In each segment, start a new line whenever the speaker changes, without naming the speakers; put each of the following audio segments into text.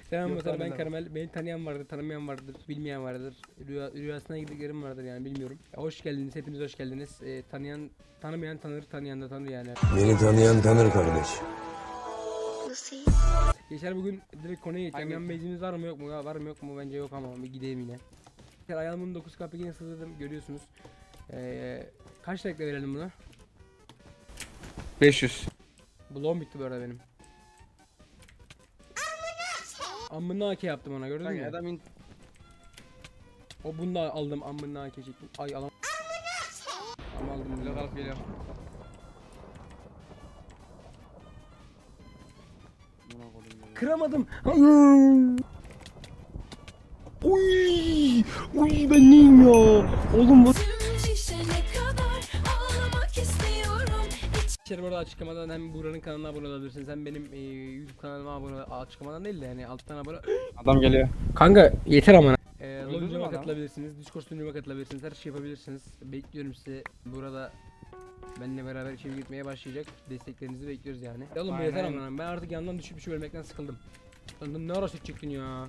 Selam
Yok,
mesela ben
tanımam.
Karamel. Beni tanıyan vardır, tanımayan vardır, bilmeyen vardır. Rüyasına girdiklerim vardır yani bilmiyorum. Hoş geldiniz, hepiniz hoş geldiniz. Tanımayan tanır, tanıyan da tanır yani.
Beni tanıyan tanır kardeş.
Geçer bugün direkt konuya geçeceğim.
Hangi?
Yan bezimiz var mı yok mu? Var mı yok mu? Bence yok ama bir gideyim yine. Ayağımın 9 kapıya sığdırdım görüyorsunuz. Kaç dakika verelim buna?
500.
Bloğum bitti bu arada benim. Amına AK yaptım ona gördün
Kanka
mü?
adam
O bunu da aldım amına AK çektim. Ay alam. Ama aldım bunu.
blok alıp geliyor. Buna koydum ya.
Kıramadım. Hayır. Uy, uy ben neyim ya? Oğlum bu. İçeri burada açıklamadan hem Buğra'nın kanalına abone olabilirsiniz hem benim YouTube kanalıma abone açıklamadan değil de yani alttan abone.
Adam geliyor.
Kanka yeter ama.
Öldürdün mü
Loncama
adamı?
katılabilirsiniz, Discord sunucuma katılabilirsiniz, her şey yapabilirsiniz. Bekliyorum sizi. Burada benimle beraber içeri gitmeye başlayacak. Desteklerinizi bekliyoruz yani. Ya oğlum bu yeter
Aynen.
ama ben artık yandan düşüp ölmekten sıkıldım. Lan ne ara süt çıktın ya?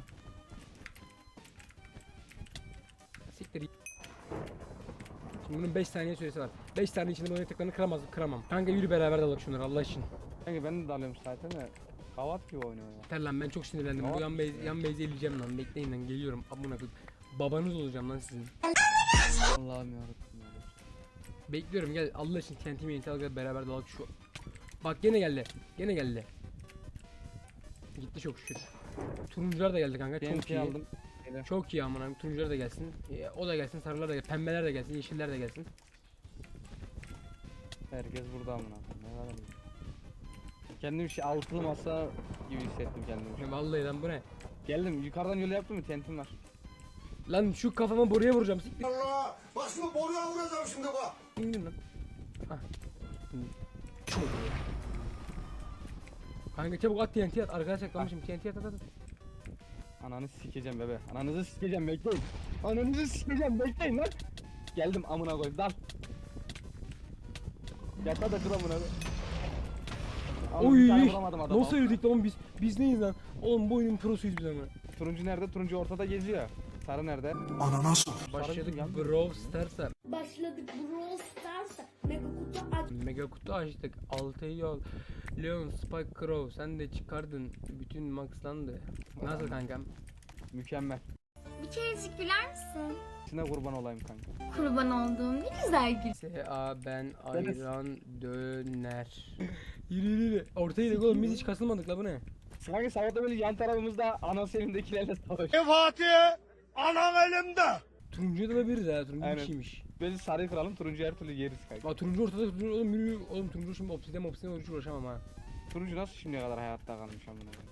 Siktir. Şimdi bunun 5 saniye süresi var. 5 saniye içinde bu yaratıklarını kıramam. Kanka yürü beraber dalalım şunları Allah için.
Kanka ben de dalıyorum zaten de. Kavat gibi oynuyor ya.
Yeter lan ben çok sinirlendim. Bu yan base'i eleyeceğim lan. Bekleyin lan geliyorum. Amına koyayım. Babanız olacağım lan sizin.
Allah'ım yarabbim ya.
Bekliyorum gel Allah için TNT al gel beraber dalalım şu. Bak gene geldi. Gene geldi. Gitti çok şükür. Turuncular da geldi kanka. Çok
TNT
iyi.
aldım. Geliyor.
Çok iyi amına koyayım. Turuncular da gelsin. O da gelsin. Sarılar da gelsin. Pembeler de gelsin. Yeşiller de gelsin.
Herkes burada amına koyayım. Ne var ya? Kendim altılı masa gibi hissettim kendimi.
Ya vallahi lan bu ne?
Geldim yukarıdan yolu yaptım mı tentim var.
Lan şu kafama boruya vuracağım. Siktir.
Allah! Bak şimdi boruya vuracağım şimdi bak.
İndim lan. Ah. Çok iyi. Kanka çabuk at TNT at. Arkadaş saklamışım. TNT at.
Ananı sikeceğim bebe. Ananızı sikeceğim bekleyin. Ananızı sikeceğim bekleyin lan. Geldim amına koyayım dal. Yata da kır amına koyayım. Oğlum, bir tane
Oy.
vuramadım adama.
Nasıl yürüdük lan biz neyiz lan? Oğlum bu oyunun prosuyuz biz ama.
Turuncu nerede? Turuncu ortada geziyor. Sarı nerede?
Ananas.
Başladık
Sarı
Brawl Stars'a.
Başladık Brawl Stars'a. Mega kutu aç.
Mega kutu açtık. 6 yol. Leon, Spike, Crow sen de çıkardın. Bütün maxlandı. Nasıl kankam?
Mükemmel.
Bir kerecik güler misin?
İçine kurban olayım kanka.
Kurban olduğum ne güzel gül.
S.A. ben ayran döner. Yürü. Ortaya gidelim oğlum biz hiç kasılmadık la bu ne?
Sanki sabahta böyle yan tarafımızda anası elindekilerle savaş.
Fatih! Anam elimde.
Turuncuya da olabiliriz ha. Turuncu
Aynen.
bir şeymiş.
Biz sarıyı kıralım turuncu her türlü yeriz kanka.
Aa turuncu ortada turuncu oğlum yürü. Oğlum turuncu şimdi obsidyen hiç uğraşamam ha.
Turuncu nasıl şimdiye kadar hayatta kalmış amına koyayım.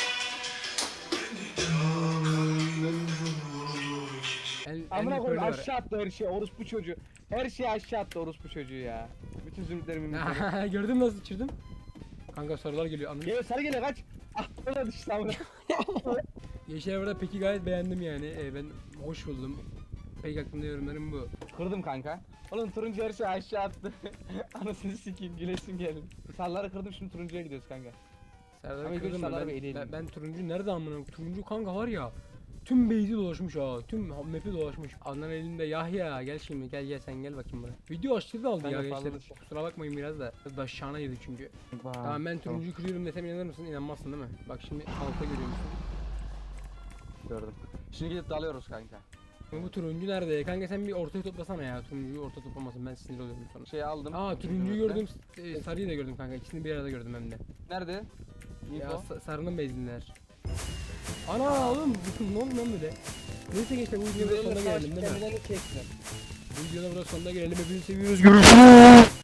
Amına koyayım aşağı attı her şey orospu çocuğu. Her şeyi aşağı attı orospu çocuğu ya. Bütün zümrütlerimi
Gördün mü nasıl çırdım? Kanka sorular geliyor anladın.
Geliyor sarı geliyor kaç. Ah orada düştü amına.
Yeşil burada peki gayet beğendim yani. Ben hoş buldum. Pek hakkında yorumlarım bu.
Kırdım kanka. Oğlum turuncu her şeyi aşağı attı. Anasını sikeyim gülesim geldi. Sarıları kırdım şimdi turuncuya gidiyoruz kanka.
Serdar
Ama
kırdım
ilk
mı?
sarıları bir eleyelim.
Ben turuncu nerede amına koyayım? Turuncu kanka var ya. Tüm base'i dolaşmış ha. Tüm map'i dolaşmış. Adnan elinde Yahya gel şimdi gel sen gel bakayım buraya. Video aşırı da aldı
Ben
ya
de fazla
gençler. Kusura bakmayın biraz da. Biraz da şana yedi çünkü. Tamam ben turuncuyu kırıyorum desem inanır mısın? İnanmazsın değil mi? Bak şimdi altta görüyor musun?
Gördüm. Şimdi gidip dalıyoruz kanka.
Bu turuncu nerede? Kanka sen bir ortaya toplasana ya. Turuncuyu ortaya toplamasın ben sinir oluyorum sonra.
Şey aldım.
Aa turuncuyu gördüm. Sarıyı da gördüm kanka. İkisini bir arada gördüm hem de.
Nerede?
Ya
Info.
sarının bezinler. Ana oğlum ne oldu lan böyle? Neyse gençler bu videonun sonuna gelelim değil mi?
Kendilerini çektiler.
Bu videonun burada sonuna gelelim. Hepinizi seviyoruz. Görüşürüz.